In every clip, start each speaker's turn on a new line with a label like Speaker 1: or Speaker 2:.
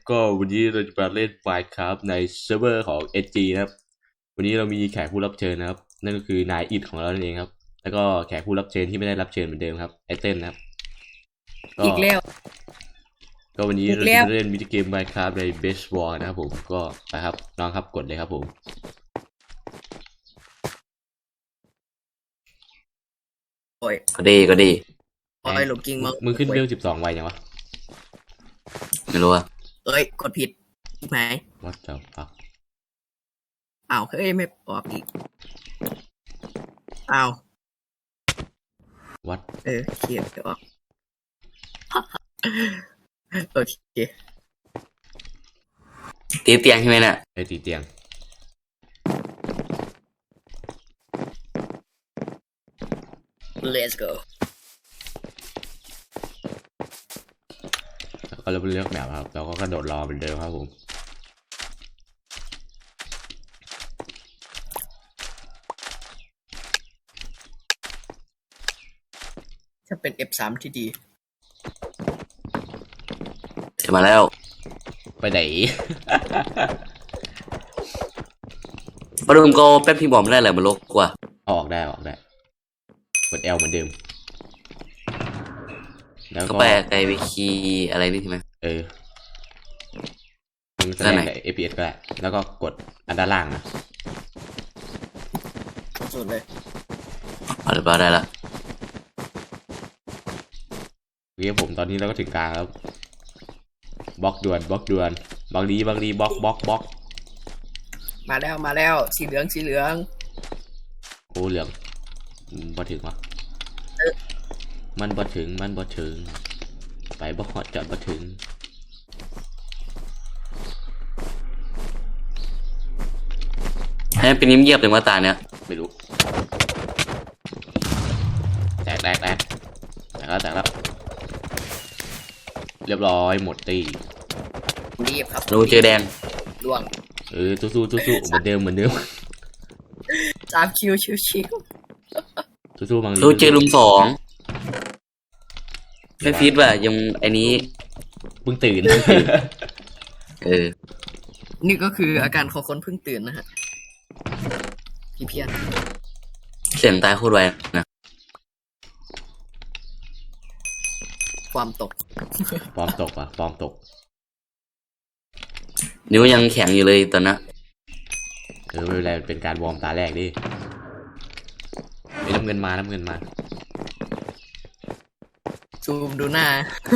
Speaker 1: ก็วันนี้เราจะมาเล่น Minecraft ในเซิร์ฟเวอร์ของ SG นะครับวันนี้เรามีแขกผู้รับเชิญนะครับนั่นก็คือนายอิดของเรานั่นเองครับแล้วก็แขกผู้รับเชิญที่ไม่ได้รับเชิญเหมือนเดิมครับไอเต้นนะครับก็
Speaker 2: อีกแล้ว
Speaker 1: ก็วันนี้
Speaker 2: อีกแล้ว
Speaker 1: เราจะมาเล่นมินิเกม Minecraft ใน Base War นะครับผมก็ไปครับน้องครับกดเลยครับผม
Speaker 2: โอ้ย
Speaker 3: ก็ดี
Speaker 2: โอ้ยหลบกิ้งมั้ง
Speaker 1: มึงขึ้นเวล12ไวยังวะ
Speaker 3: ไม่รู้อะ
Speaker 2: เอ้ยกดผิดไหม
Speaker 1: What the fuck
Speaker 2: อ้าวเฮ้ยไม่ออกอีกอ้าว
Speaker 1: What
Speaker 2: เคลียร์เดี๋ยวออกโอเค
Speaker 3: ตีเตียงใช่ไหมเนี่ย
Speaker 1: ไอตีเตียง
Speaker 2: let's go
Speaker 1: แล้วก็เราไปเลือกแบบครับเราก็กระโดดรอเหมือนเดิมครับผม
Speaker 2: จะเป็น F3 ที่ดี
Speaker 3: เสร็จมาแล้ว
Speaker 1: ไปไหน
Speaker 3: มาดูมก็แป๊บพี่บอมได้แหละมันลกกว่า
Speaker 1: ออกได้กด L เหมือนเดิมแล้ว
Speaker 3: ก็
Speaker 1: ก็
Speaker 3: แปลไกลไปคีย์อะไรนี่ใช่ไหม
Speaker 1: มึงแสด
Speaker 3: ด้าน
Speaker 1: ง
Speaker 3: ไหน
Speaker 1: ใน APS ก็ได้แล้วก็กดอันด้านล่างนะ
Speaker 2: สุดเลย
Speaker 3: เอาเรียบร้อยได้ละ
Speaker 1: เรียกผมตอนนี้เราก็ถึงกลางแล้วบล็อกด่วนบางดีบล็อก
Speaker 2: มาแล้วสีเหลือง
Speaker 1: โอ้เหลืองบ่ถึงวะมันบ่ถึงไปบ่ฮอดจอดบ่ถึง
Speaker 3: ให้มันเป็นนิ่มเยียบเลยว่าตาเนี้ย
Speaker 1: ไม่รู้แตกแล้วเรียบร้อยหมดตี
Speaker 2: รีบครับ
Speaker 3: รูเจอแดง
Speaker 2: ล่วง
Speaker 1: สู้เหมือนเดิม
Speaker 2: 3 คิวชิว
Speaker 1: สู้บางดี
Speaker 3: รูเจอลุม2ไม่ฟีดว่ะยังไอ้นี้
Speaker 1: เพิ่งตื่น
Speaker 2: นี่ก็คืออาการของคนเพิ่งตื่นนะฮะพี่เพียร
Speaker 3: เสียงตายโคตรไวนะ
Speaker 2: ความตก
Speaker 1: ฟอร์มตก
Speaker 3: นิ้วยังแข็งอยู่เลยตอนนั้น
Speaker 1: ไม่เป็นไรเป็นการวอร์มตาแรกดิน้ำเงินมา
Speaker 2: ซูมดูหน้า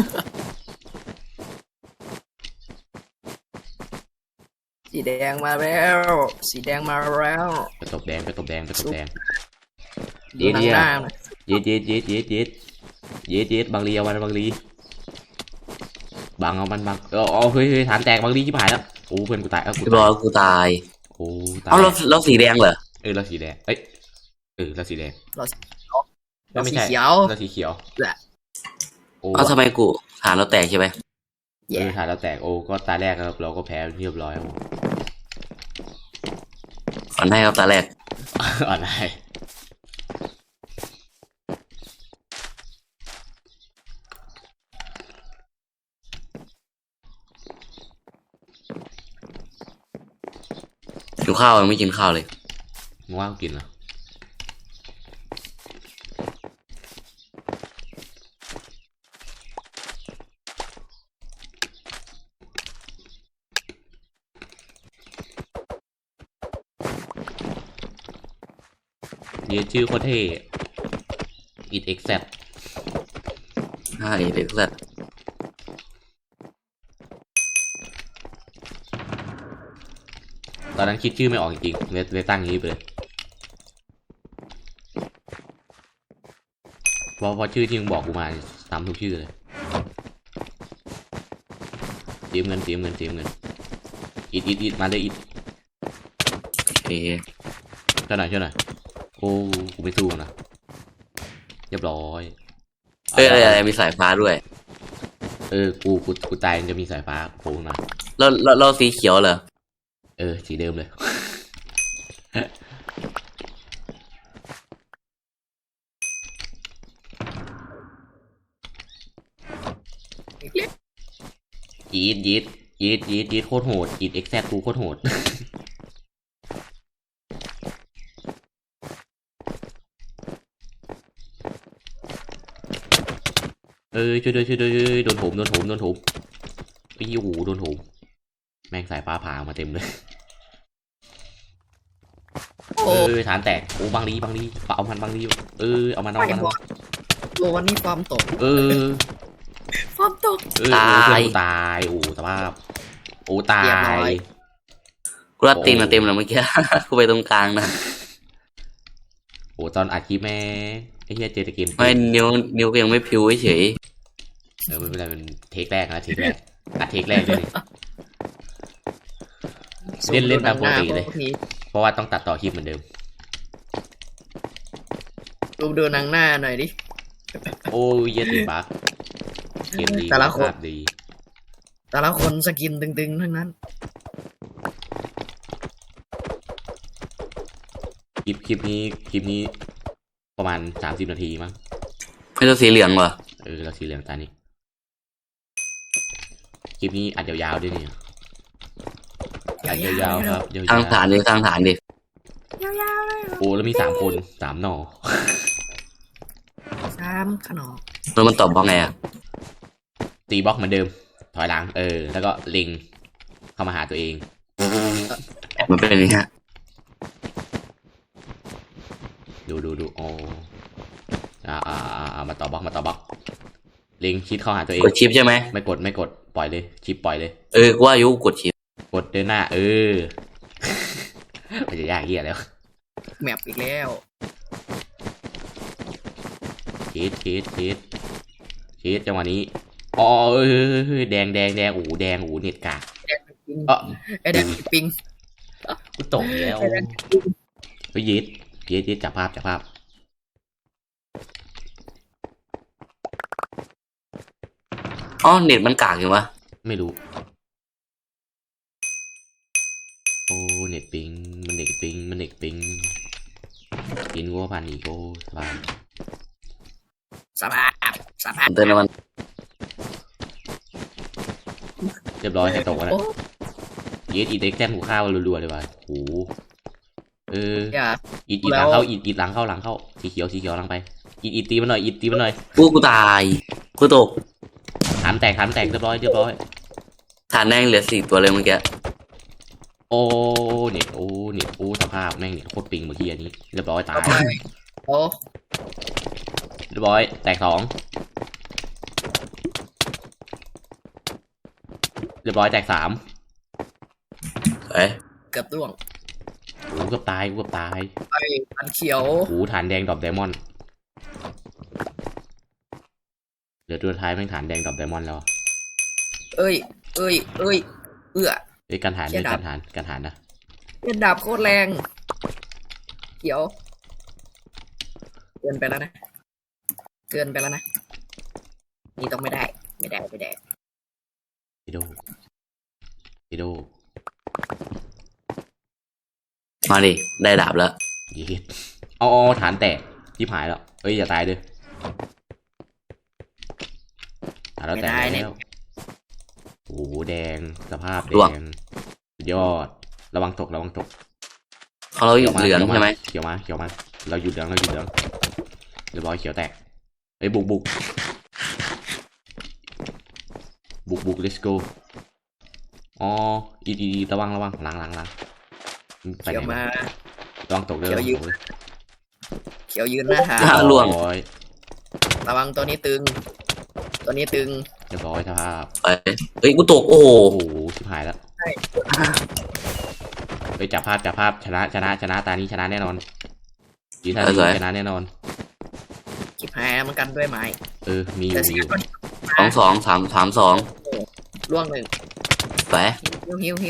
Speaker 2: สีแดงมาแล้ว
Speaker 1: ไปตบแดง
Speaker 2: ดูหนังหน้าหน่อย
Speaker 1: เย็ดบางลีเอามันบางลีบังเอามันบังเฮ้ยฐานแตกบางลีที่ผ่านแล้วโอ้เพื่อนกูตาย
Speaker 3: เรียบร้อยกูตาย
Speaker 1: โอ้ตาย
Speaker 3: เอาเราสีแดงเหรอ
Speaker 1: เราสีแดงเราสีแดง
Speaker 2: เราสี
Speaker 1: ไม่ใช่
Speaker 2: เขียว
Speaker 1: เราสีเขียว
Speaker 2: แหละ
Speaker 1: โอ้
Speaker 3: เอาทำไมกูฐานเราแตกใช่ไหม
Speaker 1: ฐานเราแตกโอ้ก็ตาแรกเราก็แพ้เรียบร้อยครับ
Speaker 3: ก่อนให้ครับตาแรก
Speaker 1: อะไร
Speaker 3: กินข้าวยังไม่กินข้าวเลย
Speaker 1: มึงว่างกินเหรอเยชื่อโคตรเท่อิดเอ็กแซ
Speaker 3: ใช่เด็กสัตว์
Speaker 1: ตอนนั้นคิดชื่อไม่ออกจริงๆเลยตั้งอย่างนี้ไปเลยเพราะชื่อที่มึงบอกกูมาตามทุกชื่อเลยเตรียมเงินอิดมาเลยอิด
Speaker 3: โอเค
Speaker 1: ช่วยหน่อยโอ้กูไม่สู้นะเรียบร้อย
Speaker 3: อะไรมีสายฟ้าด้วย
Speaker 1: กูตายจะมีสายฟ้าโผล่มา
Speaker 3: เราสีเขียวเหรอ
Speaker 1: สีเดิมเลย ยีดยีดโคตรโหดยีดเอ็กแซกูโคตรโหด ช่วยด้วยโดนโถมไอ้ยี่หูโดนโถมแม่งสายฟ้าผ่ามาเต็มเลย
Speaker 2: โอ้
Speaker 1: ฐานแตกโอ้บางลีเอามันบางลีเอามัน
Speaker 2: ไม่บอกโอ้วันนี้ฟอร์มตก
Speaker 1: เออ
Speaker 2: ฟอร์มตก
Speaker 1: โอ้เพื่อนกูตายโอ้สภาพโอ้ตา
Speaker 2: เรียบร้
Speaker 1: ย
Speaker 2: อย
Speaker 3: กูรัดตีนมาเต็มแล้วเมื่อกี้ กูไปตรงกลางนะ
Speaker 1: โอ้ตอนอัดคลิปแม่ไอ้เหี้ยเจอแต่เกม
Speaker 3: ไม่นิ้วก็ยังไม่พิวเฉย
Speaker 1: ไม่เป็นไรเป็นเทคแรกนะเทคแรกอัดเทคแรกเลยนี่เล่นตามปกติเลย เพราะว่าต้องตัดต่อคลิปเหมือนเดิม
Speaker 2: ดูหนังหน้าหน่อยดิ
Speaker 1: โอ้ยเหี้ยติดบั๊กเกมดี
Speaker 2: แต่ละคน
Speaker 1: ภาพดี
Speaker 2: แต่ละคนสกินตึงๆทั้งนั้น
Speaker 1: คลิปนี้ประมาณ30 นาทีมั้ง
Speaker 3: ๆไม่ต้องสีเหลืองเหรอ
Speaker 1: เราสีเหลืองตานี้คลิปนี้อัดยาวๆด้วยเนี่ยอัดยาวๆครับยาว
Speaker 3: สร้างฐานดิสร้างฐานดิ
Speaker 2: ยาวๆเลย
Speaker 1: ๆโอ้แล้วมี3 คน3 หน่อ
Speaker 2: 3 ขนม
Speaker 3: แล้วมันตอบว่าไงอ่ะ
Speaker 1: ตีบล็อกเหมือนเดิม ถอยหลังแล้วก็เล็งเข้ามาหาตัวเอง
Speaker 3: มันเป็นอย่างนี้ฮะ
Speaker 1: ดูโอ้มาต่อบล็อกเล็งชิดเข้าหาตัวเอง
Speaker 3: กดชิปใช่ไหม
Speaker 1: ไม่กดปล่อยเลยชิปปล่อยเลย
Speaker 3: กูว่าอายุกดชิป
Speaker 1: กดเดินหน้ามันจะยากเหี้ยแล้ว
Speaker 2: แมปอีกแล้ว
Speaker 1: ชีดจังหวะนี้อ๋อแดงโอ้โหแดงโอ้โหเน็ตกาก
Speaker 2: ไอ้แดงปิง
Speaker 1: กูตกแล้ว
Speaker 2: ไอ้แดงปิง
Speaker 1: เฮ้ยยีดจับภาพ
Speaker 3: อ๋อเน็ตมันกากอยู่วะ
Speaker 1: ไม่รู้โอ้เน็ตปิงมันเน็ตปิงกินวัวพันอีโก้สบาย
Speaker 2: สภาพ
Speaker 3: เติมน้ำมัน
Speaker 1: เรียบร้อยให้ตกแล้ว
Speaker 2: โอ้
Speaker 1: ยีดอีเด็กแจ้งหูข้าวรัวๆเลยว่ะโห
Speaker 2: อย่า
Speaker 1: อีหลังเข้าอีหลังเข้าสีเขียวหลังไปอีตีมันหน่อย
Speaker 3: กูตายกูตก
Speaker 1: ฐานแตกเรียบร้อย
Speaker 3: ฐานแดงเหลือ4 ตัวเลยเมื่อกี้
Speaker 1: โอ้เน็ตสภาพแม่งเน็ตโคตรปิงเมื่อกี้อันนี้เรียบร้อยตาย
Speaker 2: โอ้
Speaker 1: เรียบร้อยแตก 2เรียบร้อยแตก 3
Speaker 3: เอ้ย
Speaker 2: เกือบร่วง
Speaker 1: โอ้เกือบตาย
Speaker 2: ไอ้อันเขียว
Speaker 1: โอ้ฐานแดงดรอปไดมอนด์เหลือตัวท้ายแม่งฐานแดงดรอปไดมอนด์แล้ว
Speaker 2: เอ้ยเอื้อ
Speaker 1: การฐาน
Speaker 2: เชี่ยดาบ
Speaker 1: การฐานนะ
Speaker 2: เป็นดาบโคตรแรง เขียว เกินไปแล้วนะ นี่ต้องไม่ได้
Speaker 1: ฮิโด
Speaker 3: มาดิได้ดาบแล้ว
Speaker 1: เย็ดเอาฐานแตกที่หายแล้วเฮ้ยอย่าตายด้วยฐานเราแตก
Speaker 2: ไม่ได้เนี่
Speaker 1: แล้
Speaker 2: ย
Speaker 1: วโอ้โหแดงสภาพแด
Speaker 3: ร่วง
Speaker 1: งสุดยอดระวังตก
Speaker 3: เขาเราอยู่เหลืองใช่ไหม
Speaker 1: เขียวมาเราหยุดเหลืองเรียบร้อยเขียวแตกเฮ้ยบุก let's go อ๋ออีระวังหลังไป
Speaker 2: เขียว
Speaker 1: ไหน
Speaker 2: มา
Speaker 1: ระวังตกเลย
Speaker 2: เขียวยืน เขียวยืนหน้าหา
Speaker 3: ล่วง
Speaker 2: ระวังตัวนี้ตึง
Speaker 1: เรียบร้อยสภาพ
Speaker 3: ไปเฮ้ยกูตกโอ้โห
Speaker 1: โอ้โหชิบหายแล้วไปจับภาพชนะตานี้ชนะแน่นอนยีท่านี้ชนะแน่นอน
Speaker 2: ชิบหายแล้วมันกันด้วยไม้
Speaker 1: มีอ
Speaker 2: แต่
Speaker 1: ยู่
Speaker 2: เสียคน
Speaker 3: 2
Speaker 2: ล่วงหนึ่ง
Speaker 3: ไป
Speaker 2: หิว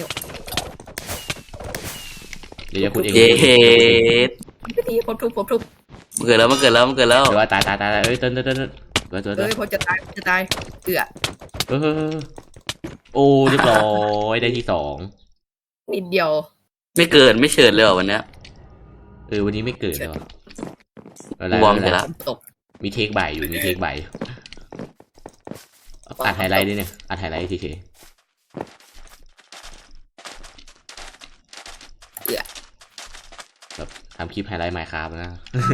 Speaker 1: เดี๋ยวจะพูดเอง
Speaker 3: เย้
Speaker 2: พิธีผมทุบ
Speaker 3: มันเกิดแล้ว
Speaker 1: เดี๋ยวว่าตายเต้น
Speaker 2: ผมจะตายเอื้อ
Speaker 1: โอ้เรียบร้อยได้ที่ 2
Speaker 2: นิดเดียว
Speaker 3: ไม่เกิดไม่เฉิดเลยเหรอวันเนี้ย
Speaker 1: วันนี้ไม่เกิดเลย
Speaker 3: วอร์มเสร็จแล้ว
Speaker 2: ตก
Speaker 1: มีเทคบ่ายอยู่อัดไฮไลท์ด้วยเนี่ยอัดไฮไลท์เฉยำคลิปไฮไลท์ Minecraft นะ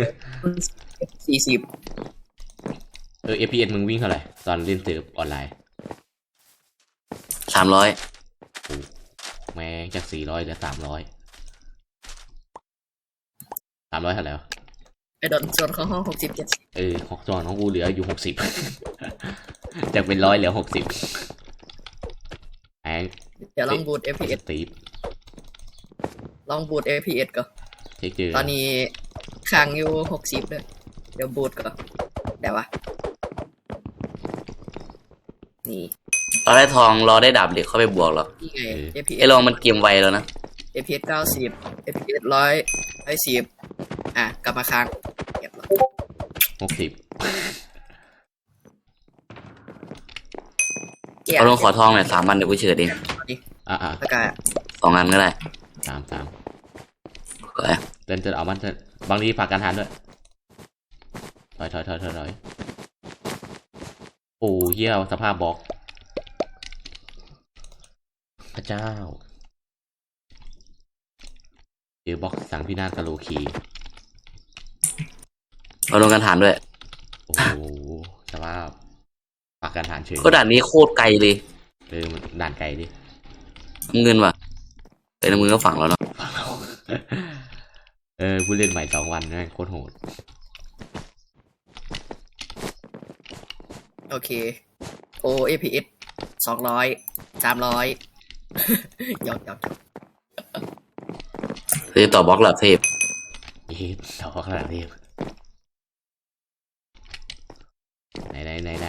Speaker 2: 40
Speaker 1: FPS มึงวิ่งเท่าไหร่ตอนเล่นเซิร์ฟออนไลน์
Speaker 3: 300
Speaker 1: แม่งจาก400เหลือ300เท่าไหร่วะ
Speaker 2: ไอ้ดอนส่วนของห้อง60 70
Speaker 1: ของจอนของกูเหลืออยู่60 จากเป็น100เหลือ60แอง
Speaker 2: เดี๋ยวลองบูต
Speaker 1: ส
Speaker 2: FPS
Speaker 1: ตีฟ
Speaker 2: ลองบูต FPS ก่อน
Speaker 1: เช็คเจอ
Speaker 2: ตอนนี้ค้างอยู่60เลยเดี๋ยวบูตก่อนเดี๋ยววะนี่
Speaker 3: เราได้ทองรอได้ดาบเหล็กเข้าไปบวกหรอก
Speaker 2: นี่ไง
Speaker 3: ไอ้
Speaker 2: FPS
Speaker 3: ลองมันเกมไวแล้วนะ
Speaker 2: FPS 90 FPS 110กลับมาค้างเรียบร้อย
Speaker 1: 60
Speaker 3: เอาลงขอทองหน่อย3 วันเดี๋ยวกูเฉยเอง
Speaker 1: อ่ะ
Speaker 2: แล้วก็
Speaker 3: 2 อันก็ได้
Speaker 1: 3
Speaker 3: เฮ้ย
Speaker 1: เต้นเอามันเต้นบางทีฝากการทานด้วยถอยโอ้เหี้ยสภาพบล็อกพระเจ้าเจอบล็อกสั่งพินาศกะโลคี
Speaker 3: เอาลงกันฐานด้วย
Speaker 1: โอ้โหสภาพฝากการทานเฉย
Speaker 3: ก็ด่านนี้โคตรไกลเลย
Speaker 1: มันด่านไกลดิ
Speaker 3: เงินว่ะแต่ในมือก็ฝังแล้วเนาะ
Speaker 1: ผู้เล่นใหม่2 วันนะโคตรโหด
Speaker 2: โอเคโอ FPS 200 300 หยอก
Speaker 3: คือต่อบล็อกหลับเทพ
Speaker 1: เอ๊ะต่อขนาดนี้ไหน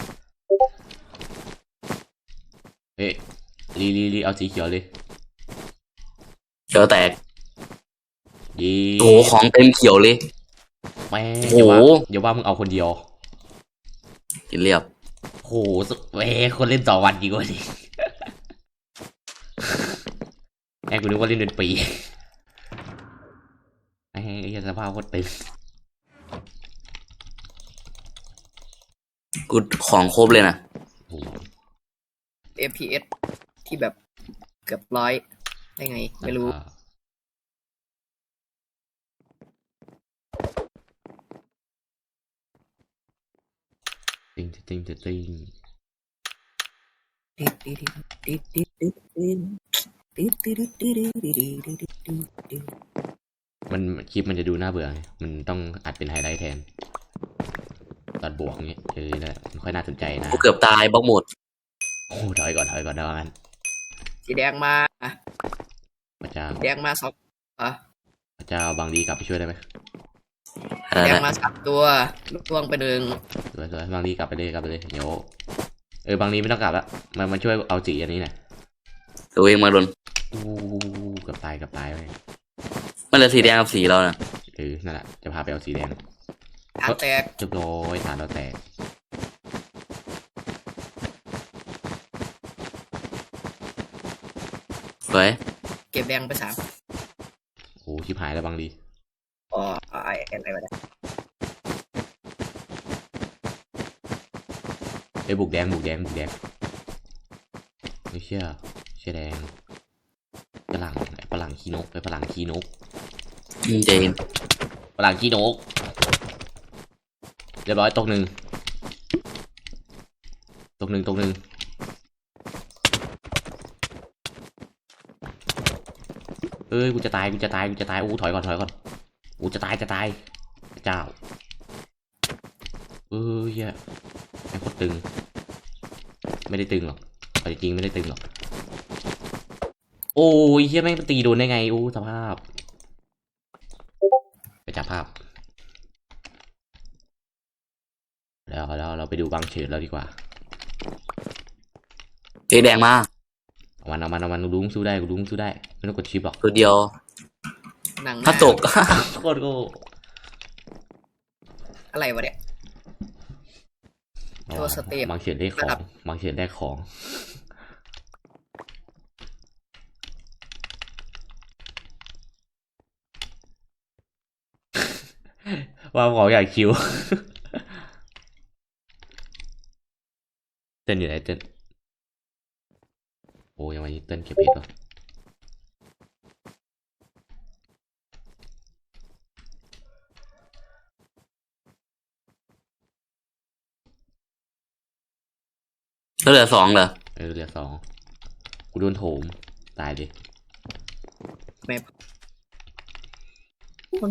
Speaker 1: เอ๊ะลีเอาสีเขียวเลย
Speaker 3: เจอแตก
Speaker 1: ยี
Speaker 3: โอ้โหของเต็มเขียวเลย
Speaker 1: แม่
Speaker 3: โอ้โห
Speaker 1: อย่าว่ามึงเอาคนเดียว
Speaker 3: กินเรียบ
Speaker 1: โหแม่คนเล่น2 วันดีกว่าดิ แม่กูนึกว่าเล่นเป็นปีไอ้สภาพโคตรตึง
Speaker 3: กูของครบเลยนะ
Speaker 1: โอ้โห
Speaker 2: FPS ที่แบบเกือบร้อยได้ไงไม่รู้
Speaker 1: ติง มันคลิปมันจะดูน่าเบื่อไงมันต้องอัดเป็นไฮไลท์แทนตอนบวกเงี้ยนั่นแหละมันค่อยน่าสนใจนะ
Speaker 3: กูเกือบตายบล็อกหมด
Speaker 1: โอ้ถอยก่อนนะงั้น
Speaker 2: สีแดงมา
Speaker 1: พระเจ้า
Speaker 2: แดงมา2
Speaker 1: พระเจ้าบางดีกลับไปช่วยได้ไหม
Speaker 2: แดงมา3ตัวล่วงไป1
Speaker 1: สวยบางดีกลับไปเลยเดี๋ยวบางดีไม่ต้องกลับละมันช่วยเอาสีอันนี้หน่อย
Speaker 3: ตัวเองมาลน
Speaker 1: อู้เกือบตายไป
Speaker 3: มันเหลือสีแดงกับสีเรานะ
Speaker 1: นั่นแหละจะพาไปเอาสีแดง
Speaker 2: ฐานแตก
Speaker 1: จบโดยฐานเราแตก
Speaker 3: เฮ้ย
Speaker 2: เก็บแดงไป3
Speaker 1: โอ้ชิบหายแล้วบางดี
Speaker 2: อ๋ออะไรวะเนี่ย
Speaker 1: บุกแดงไม่เชื่อแดงฝรั่งขี้นกฝรั่งขี้นก
Speaker 3: เจน
Speaker 1: ฝรั่งขี้นกเรียบร้อยตกหนึ่งกูจะตายอู้ถอยก่อนอู้จะตายเจ้าเหี้ยแม่งโคตรตึงไม่ได้ตึงหรอกเอาจริงๆไม่ได้ตึงหรอกโอ้ยเหี้ยแม่งตีโดนได้ไงอู้สภาพไปจับภาพแล้วเราไปดูบางเฉิดแล้วดีกว่า
Speaker 3: เจแดงมา
Speaker 1: เอามันลุงสู้ได้ไม่ต้องกดชิปหรอก
Speaker 3: ตัวเดียว
Speaker 2: หนังหน้
Speaker 3: ถ้าตก
Speaker 1: โคตรโง่
Speaker 2: อะไรวะเนี่ย ตัวสเตป
Speaker 1: บางเฉิดได้ของ
Speaker 2: นะครับ
Speaker 1: บางเฉิดได้ของว่าของอยากคิว เต้นอยู่ไหนเต้นโอ้ยังไงเต้นเก็บเพชรวะ
Speaker 3: ก็เหลือสองเหรอ
Speaker 1: เหลือสองกูโดนโถมตายดิ
Speaker 2: แม่มัน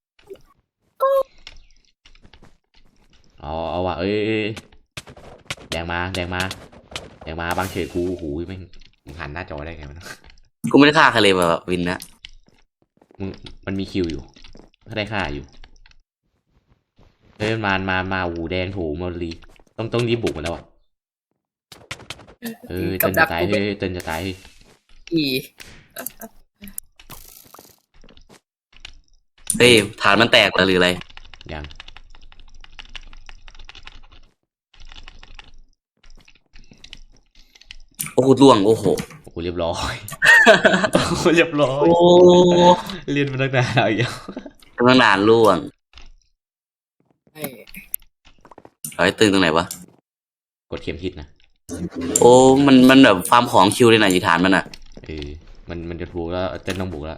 Speaker 1: เอาว่ะแดงมาบางเฉดกูหูยแม่งมึงหันหน้าจอได้ไงวะ
Speaker 3: กูไม่ได้ฆ่าใครเลยแบบวินนะ
Speaker 1: มึงมันมีคิวอยู่ถ้าได้ค่าอยู่มาหูแดงโถมาลีต้องรีบบุกมันแล้วอ่ะเต้นจะตายเต้นจะตาย
Speaker 2: อี
Speaker 3: เฮ้ยฐานมันแตกเหรอหรืออะไร
Speaker 1: ยัง
Speaker 3: โอ้โหล่วงโอ้โห
Speaker 1: โอ้โหเรียบร้อย เรียบร้อย
Speaker 3: โอ้
Speaker 1: เรียนมาตั้งนานแล้วอีกแล้ว
Speaker 3: กำลังนานล่วง
Speaker 2: ไอ้
Speaker 3: เอาไว้ตึงตรงไหนวะ
Speaker 1: กดเข็มทิศนะ
Speaker 3: โอ้มันแบบฟาร์มของคิวเลยนะอยู่ฐานมันอ่ะ
Speaker 1: มันจะถูกแล้วเต้นต้องบุกแล้ว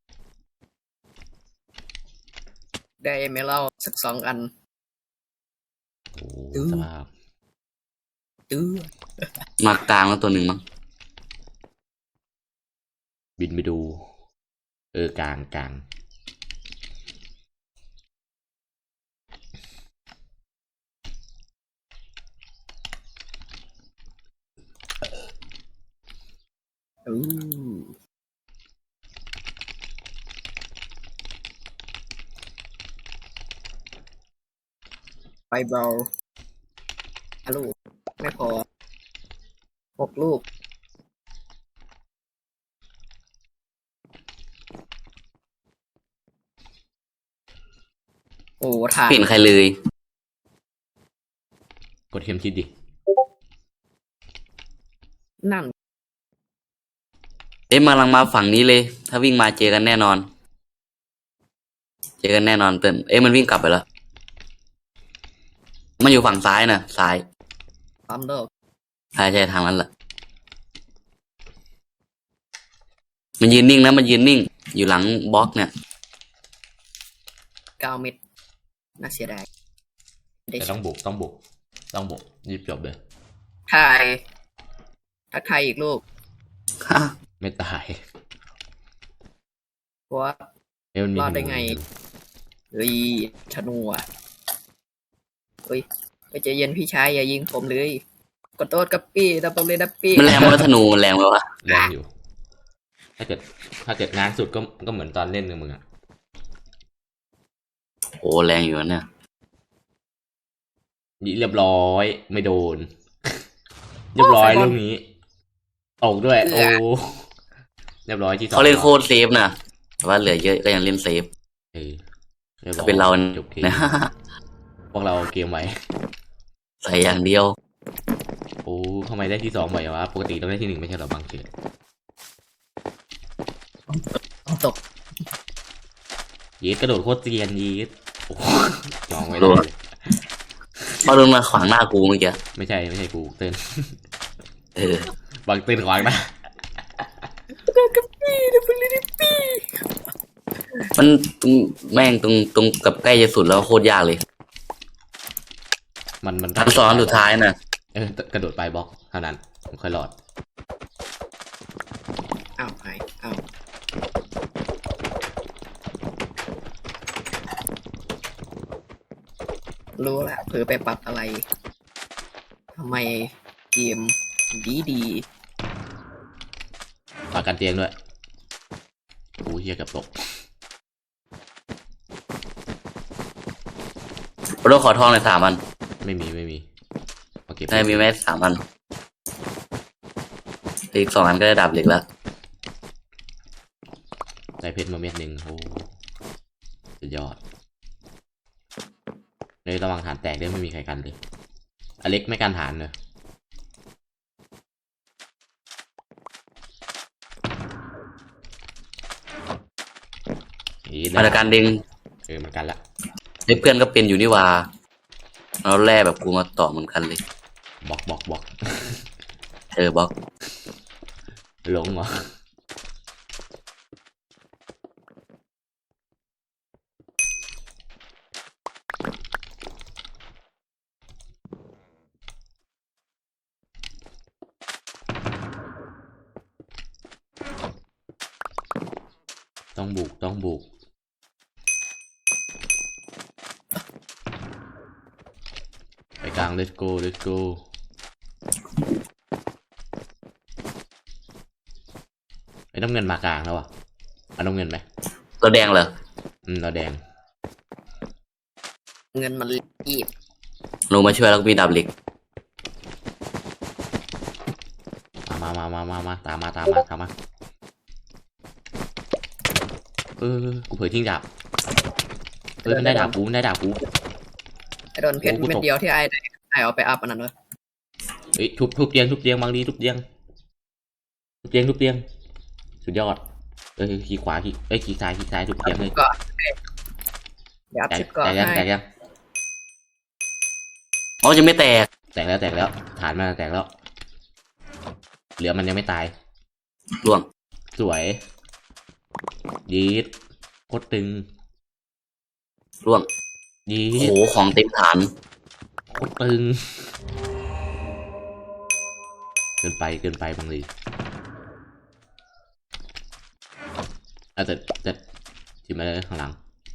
Speaker 2: ได้ไหมเล่าสัก2 อัน
Speaker 1: โอ้สภาพ
Speaker 2: ตื้อ
Speaker 3: มากลางแล้วตัวหนึ่งมั้ง
Speaker 1: บินไปดูกลาง
Speaker 2: อู้ไฟเบา5 ลูกไม่พอ6 ลูก โอ้ถ่าน
Speaker 3: ไม่เห็นใครเลย
Speaker 1: กดเข็มทิศดิ
Speaker 2: นั่น
Speaker 3: เอ๊ะมาลังมาฝั่งนี้เลย ถ้าวิ่งมาเจอกันแน่นอน เจอกันแน่นอนเติ้ลเอ๊ะมันวิ่งกลับไปแล้วมันอยู่ฝั่งซ้ายนะซ้าย
Speaker 2: ปั๊มเลิก
Speaker 3: ใช่ทางนั้นแหละมันยืนนิ่งนะมันยืนนิ่ง อยู่หลังบล็อกเนี่ย
Speaker 2: 9 เม็ดน่าเสียดายได้
Speaker 1: แต่ต้องบุกรีบจบเลย
Speaker 2: ทายทักทายอีกลูก
Speaker 1: ไม่ตาย
Speaker 2: ว่า
Speaker 1: มันมี
Speaker 2: รอดได้ไง เฮ้ยธนูอ่ะเฮ้ยไปใจเย็นพี่ชายอย่ายิงผมเลยกดโทษกับปี้ดับเบิลเลยดับปี้
Speaker 3: มันแรงไหมวะธนูมันแรงไหมวะ
Speaker 1: แรงอยู่ ถ้าเกิดง้างสุดก็เหมือนตอนเล่นกับมึงอะ
Speaker 3: โอ้แรงอยู่นะเนี่ย
Speaker 1: เรียบร้อยไม่โดน เรียบร้อยลูกนี้ออกด้วย โอ้เรียบร้อยที่สอง
Speaker 3: เขาเล่นโคตรเซฟนะแต่ว่าเหลือเยอะก็ยังเล่นเซฟ
Speaker 1: รียบร้
Speaker 3: ถ้า
Speaker 1: อย
Speaker 3: เป็นเรา
Speaker 1: จบเกม
Speaker 3: นะ
Speaker 1: พวกเราเกมไว้
Speaker 3: ใส่อย่างเดียว
Speaker 1: โอ้ทำไมได้ที่สองบ่อยวะปกติต้องได้ที่หนึ่งไม่ใช่หรอบางเกม
Speaker 2: ตก
Speaker 1: ยีดกระโดดโคตรเซียนยีดโอ้ยองไม่
Speaker 3: โด
Speaker 1: ได้
Speaker 3: ด พอโดนมาขวางหน้ากูเมื่อกี้
Speaker 1: ไม่ใช่กูเต้น
Speaker 3: เออบ
Speaker 1: างเต้นขวางนะ
Speaker 2: โดนกับปี้ดับเบิลเลยดับปี้
Speaker 3: มันตรงแม่งตรงกับใกล้จะสุดแล้วโคตรยากเลย
Speaker 1: มัน
Speaker 3: ทันซ้อนสุดท้ายน่ะ
Speaker 1: กระโดดไปบล็อกเท่านั้นผมค่อยรอด
Speaker 2: อ้าวหายอ้าวรู้ละเผลอไปปรับอะไรทำไมเกมดี
Speaker 1: ฝากกันเตียงด้วยโอ้เฮียกับตก
Speaker 3: โรขอทองเลย3 อัน
Speaker 1: ไม่มีโอเค
Speaker 3: ได้มีแม่3 อันอีก2 อันก็ได้ดาบเหล็กแล้ว
Speaker 1: ได้เพชรมาเม็ดหนึ่งโอ้สุดยอดเลยระวังฐานแตกด้วยไม่มีใครกันเลยอเล็กไม่กันฐานเลย
Speaker 3: มาตรการดึง
Speaker 1: มันกันละ
Speaker 3: เพื่อนก็เป็นอยู่นี่หว่าเราแร่แบบกูมาต่อเหมือนกันเลย
Speaker 1: บล็อก
Speaker 3: บล็อก
Speaker 1: หลงเหรอต้องบุกต้องบุกไปกลาง let's go let's go ไอ้น้ำเงินมากลางแล้วอ่ะเอาน้ำเงินไหม
Speaker 3: เราแดงเหรอ
Speaker 1: เราแดง
Speaker 2: เงินมันรีบ
Speaker 3: หนูมาช่วยแล้วก็มีดาบเหล็ก
Speaker 1: มาตามมากูเผยทิ้งดาบมันได้ดาบกูมันได้ดาบกู
Speaker 2: ไอ้โดนเพชร
Speaker 1: โอ้กูตก
Speaker 2: เม็ดเดียวที่ไอ้เอาไปอัพอันนั้นเลย
Speaker 1: เฮ้ยทุบเตียงบางดีทุบเตียงสุดยอดขี่ขวาขี่ซ้ายทุบเตียงเลย
Speaker 2: ก็เดี๋ยวอัพ
Speaker 1: แตก
Speaker 2: ชิปก่อน
Speaker 1: แตกยัง
Speaker 2: ให้
Speaker 1: แตกยัง
Speaker 3: อ๋อจะไม่แตก
Speaker 1: แตกแล้วฐานมันแตกแล้วเหลือมันยังไม่ตาย
Speaker 3: ล่วง
Speaker 1: สวยยีดโคตรตึง
Speaker 3: ล่วง
Speaker 1: ยี
Speaker 3: โอ้โห
Speaker 1: ด
Speaker 3: ของเต็มฐาน
Speaker 1: โคตรตึงเกินไปบางทีแต่ทีมอะไรข้างหลัง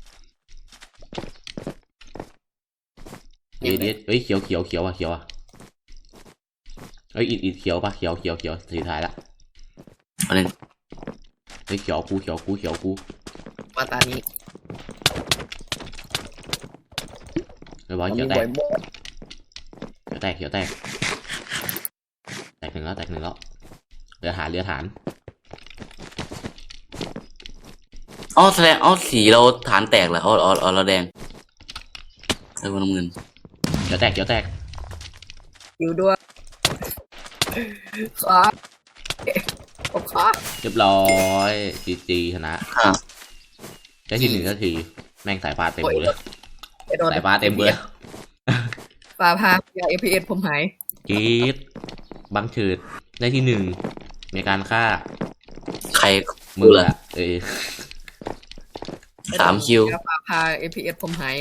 Speaker 1: ยีดเฮ้ยเขียวอ่ะเฮ้ยอิดเขียวปะเขียวสีท้ายละ
Speaker 3: อันนึง
Speaker 1: เฮ้ยเขียวกู
Speaker 2: ว่าตานี้
Speaker 1: ไม่บอก
Speaker 2: มัน
Speaker 1: เขี
Speaker 2: มี
Speaker 1: ยวแต
Speaker 2: บ่อย
Speaker 1: ก
Speaker 2: บ่อย
Speaker 1: แตกหนึ่งแล้วเรือฐาน
Speaker 3: อ๋อแสดงอ๋อสีเราฐานแตกเหรออ๋อเราแดงแล้วก็น้ำเงิน
Speaker 1: เขียวแตก
Speaker 2: อยู่ด้วยขาขอบขา
Speaker 1: เรียบร้อยจีชนะ
Speaker 3: อ่า
Speaker 1: ได้ที่ 1 นาทีแม่งสายฟ้าเต็มเลย
Speaker 2: ไอ้โดน
Speaker 1: สายฟ้าเต็มเลย
Speaker 2: ฟ้าพายา FPS ผมหาย
Speaker 1: กรีดบังเฉิดได้ที่ 1มีการฆ่า
Speaker 3: ใคร
Speaker 1: มือ
Speaker 3: เหรอ
Speaker 1: อะ
Speaker 3: 3 คิว
Speaker 2: ฟ้าพา FPS ผมหาย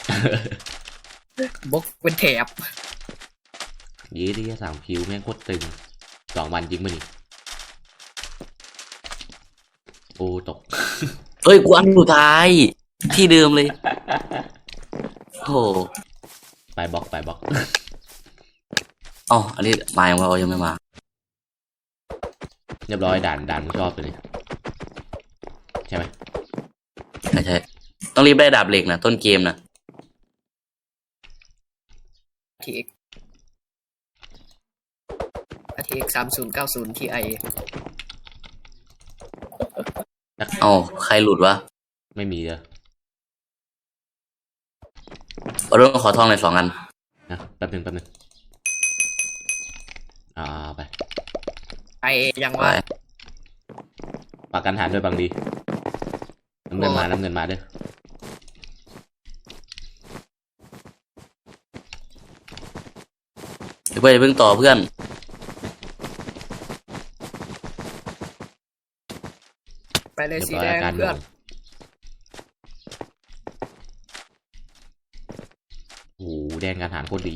Speaker 2: บกเป็นแถบ
Speaker 1: ยีที่3 คิวแม่งโคตรตึง2 วันจริงมั้ยนี่โอ้ตก
Speaker 3: เอ้ยกูอันสุดท้าย ที่เดิมเลย โอ้โห
Speaker 1: ไปบล็อก
Speaker 3: อ๋ออันนี้มายังว่ายังไม่มา
Speaker 1: เรียบร้อยด่านมึงชอบตัวนี้ใช่ไหม
Speaker 3: ใช่ต้องรีบได้ดาบเหล็กนะต้นเกมนะ
Speaker 2: ทีเอ็ก3090 Ti
Speaker 3: อ๋อใครหลุดวะ
Speaker 1: ไม่มีเลย
Speaker 3: เอาเรื่องขอทองเลย2 อัน
Speaker 1: นะแป๊บนึงไป
Speaker 2: ไอยัง
Speaker 3: ไป
Speaker 2: ว่า
Speaker 1: ปากกันฐานด้วยบางดีน้ำเงินมาด้วย
Speaker 3: เดี๋ยวเพื่อนอย่าเพิ่งต่อเพื่อน
Speaker 2: ไปเลย
Speaker 1: เรียบ
Speaker 2: สี
Speaker 1: ร้อย
Speaker 2: แดง
Speaker 1: อาการ
Speaker 2: เพื่อน
Speaker 1: โอ้โหแดงการฐานโคตรดี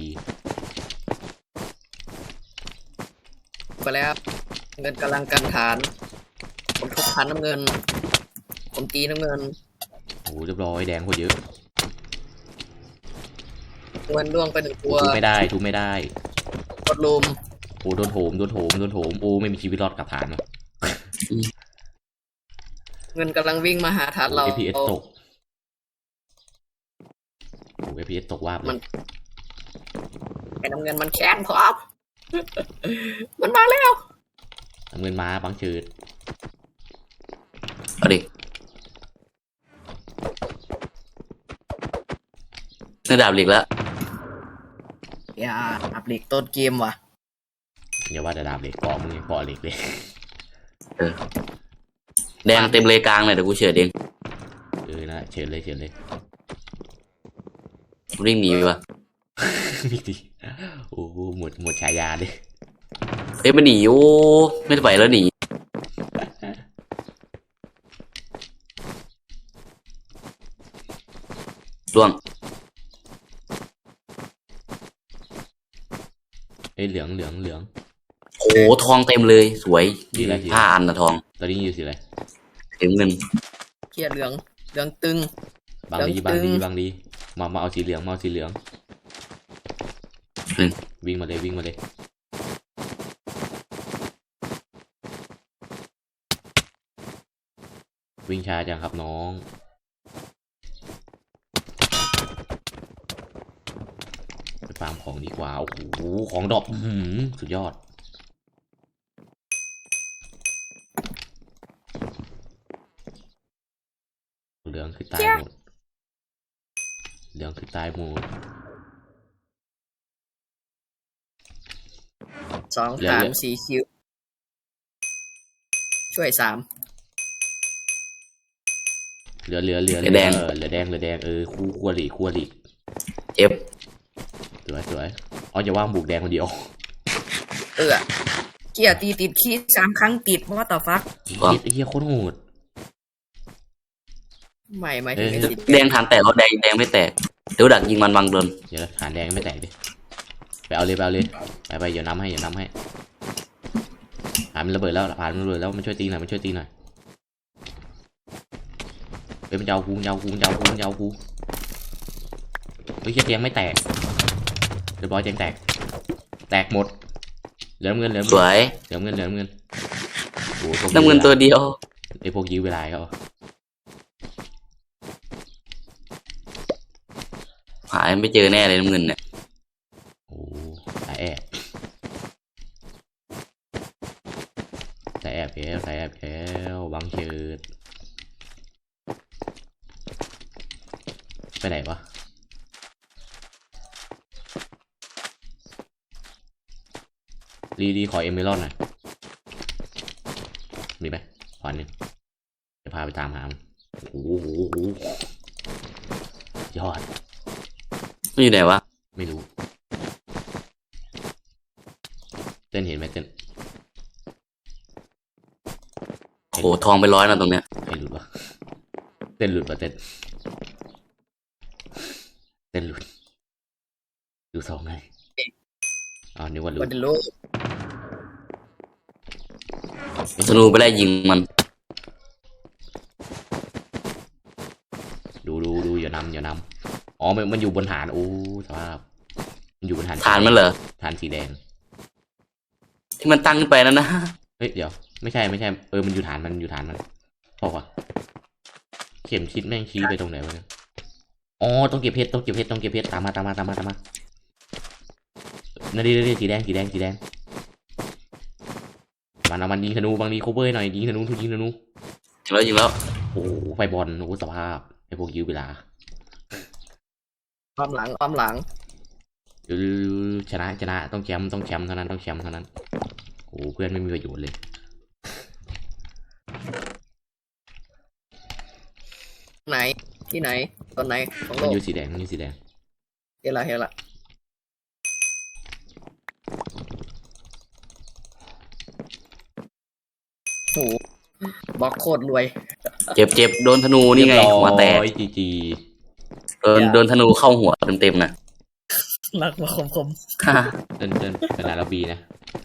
Speaker 2: ไปแล้ว เงินกำลังกันฐาน ผมทุบฐานน้ำเงิน ผมตีน้ำเงิน
Speaker 1: โอ้โหเรียบร้อยแดงโคตรเยอะ
Speaker 2: เงินล่วงไป1 ตัว
Speaker 1: ทุบไม่ได้
Speaker 2: กดลุม
Speaker 1: โอ้โดนโถมโอ้ไม่มีชีวิตรอดกับฐานเนาะ
Speaker 2: เงินกำลังวิ่งมาหาฐานเรา
Speaker 1: FPS ตกโอ้ FPS ตกวาบเลย
Speaker 2: ไอ้น้ำเงินมันแค้นพร้อม มันมาแล้ว
Speaker 1: น้ำเงินมาบังเฉิด
Speaker 3: เอาดิได้ดาบเหล็กแล้ว
Speaker 2: อย่าอัปเดตต้นเกมว่ะ
Speaker 1: อย่าว่าแต่ดาบเหล็กกองมึงยังพอเหล็กเลย
Speaker 3: แดงเต็มเลยกลางเลยเดี๋ยวกูเฉื่อยเอง
Speaker 1: นะเชิญเลย
Speaker 3: วิ่งหนีไปวะ
Speaker 1: มีดีโอ้หมดฉายาเลย
Speaker 3: เอ้ยมันหนีโอ้ไม่ไหวแล้วหนีล่วง
Speaker 1: เหลือง
Speaker 3: โอ้ทองเต็มเลยสวย
Speaker 1: สีอะไร
Speaker 3: 5 อันนะทอง
Speaker 1: ตอนนี้อยู่สีอะไร
Speaker 3: เต็มเงิน
Speaker 2: เกียร์เหลืองเหลืองตึง
Speaker 1: บางดี
Speaker 2: ตึ
Speaker 1: บาง
Speaker 2: ง
Speaker 1: ดีบางดีมาเอาสีเหลืองมาเอาสีเหลือง
Speaker 3: อืม
Speaker 1: วิ่งมาเลยวิ่งมาเลยวิ่งช้าจังครับน้องไปฟาร์มของดีกว่าโอ้โหของดรอปอื้อหือสุดยอดเหลืองคือตายหมดเหลืองคือตายหมด
Speaker 2: 2
Speaker 1: เหลือ
Speaker 2: ฐาน
Speaker 1: เหลือ
Speaker 2: 4 คิวช่วย
Speaker 1: เหลือ
Speaker 3: เหลือแดง
Speaker 1: เหลือแดงคู่อริ
Speaker 3: เจ็บ
Speaker 1: สวยอ๋ออย่าว่างบุกแดงคนเดียว
Speaker 2: 3เกียร์ตีติดขี้3 ครั้งติดว่าต่อฟัก
Speaker 3: ว่ะ
Speaker 1: ไอ้เหี้ยโคตรโหด
Speaker 2: ไม่ถึงไอ้สิ
Speaker 3: แดงฐานแตกแล้วแดงไม่แตกเดี๋ยวดักยิงมันบางโดน
Speaker 1: เดี๋ยวนะฐานแดงไม่แตกดิไปเอาเลยไปเดี๋ยวน้ำให้ฐานมันระเบิดแล้วมันช่วยตีหน่อยเฮ้ยมันจะเอากูเฮ้ยเหี้ยแดงไม่แตกเรียบร้อยแดงแตกหมดเหลือน้ำเงิน
Speaker 3: สวย
Speaker 1: โอ้โหพวก
Speaker 3: น้ำเงินตัวเดียว
Speaker 1: ไอ้พวกยื้อเวลาเขา
Speaker 3: หายไม่เจอแน่เลยน้ำเงินเนี่ย
Speaker 1: โอ้สายแอบแล้วบังเชิดไปไหนวะรีขอเอเมอรัลด์หน่อยมีไหมขอหนึ่งจะพาไปตามหามันโอ้โหยอด
Speaker 3: มันอยู่ไหนวะ
Speaker 1: ไม่รู้เต้นเห็นไหมเต้น
Speaker 3: โหทองไป100นะตรงเนี้ย
Speaker 1: ให้หลุดวะเต้นหลุดวะเต้นหลุดดูสองไงอ๋อนึกว่าหลุ
Speaker 2: วั
Speaker 1: ด
Speaker 2: นเดโล
Speaker 3: ธนูไปไล่ยิงมัน
Speaker 1: ดูอย่านำอ๋อมันอยู่บนฐานโอ้สภาพมันอยู่บนฐาน
Speaker 3: ฐานมันเหรอ
Speaker 1: ฐานสีแดง
Speaker 3: ที่มันตั้งขึ้นไปนั่นนะ
Speaker 1: เฮ้ยเดี๋ยวไม่ใช่มันอยู่ฐานมันพอวะเข็มชิดแม่งชี้ไปตรงไหนวะเนี่ยอ๋อต้องเก็บเพชรตามมานั่นดิสีแดงมันเอามันยิงธนูบางทีโคเวอร์หน่อยยิงธนู
Speaker 3: ยิงแล้ว
Speaker 1: โอ้ไฟบอลโอ้สภาพไอพวกยื้อเวลา
Speaker 2: อ้อมหลัง
Speaker 1: ชนะต้องแชมป์เท่านั้นโอ้เพื่อนไม่มีประโยชน์เลย
Speaker 2: ไหนที่ไหนตอนไหนของโล
Speaker 1: มัน
Speaker 2: ก
Speaker 1: อยู่สีแดง
Speaker 2: เห็นละโหบล็อกโคตรรวย
Speaker 3: เจ็บโดนธนูนี่ไงหัวแตก
Speaker 1: จี
Speaker 3: โดนธนูเข้าหัวเต็มๆนะ
Speaker 2: รักมาคม
Speaker 1: เดินขนาดเราบีนะ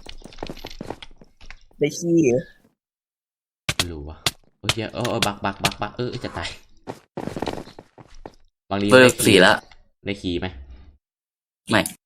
Speaker 2: ได้ขี้เหรอ
Speaker 1: ไม่รู้วะโอ้ยบักจะตายบางที
Speaker 3: เบอร์4แล้ว
Speaker 1: ได้ขี่ไหม
Speaker 3: ไม่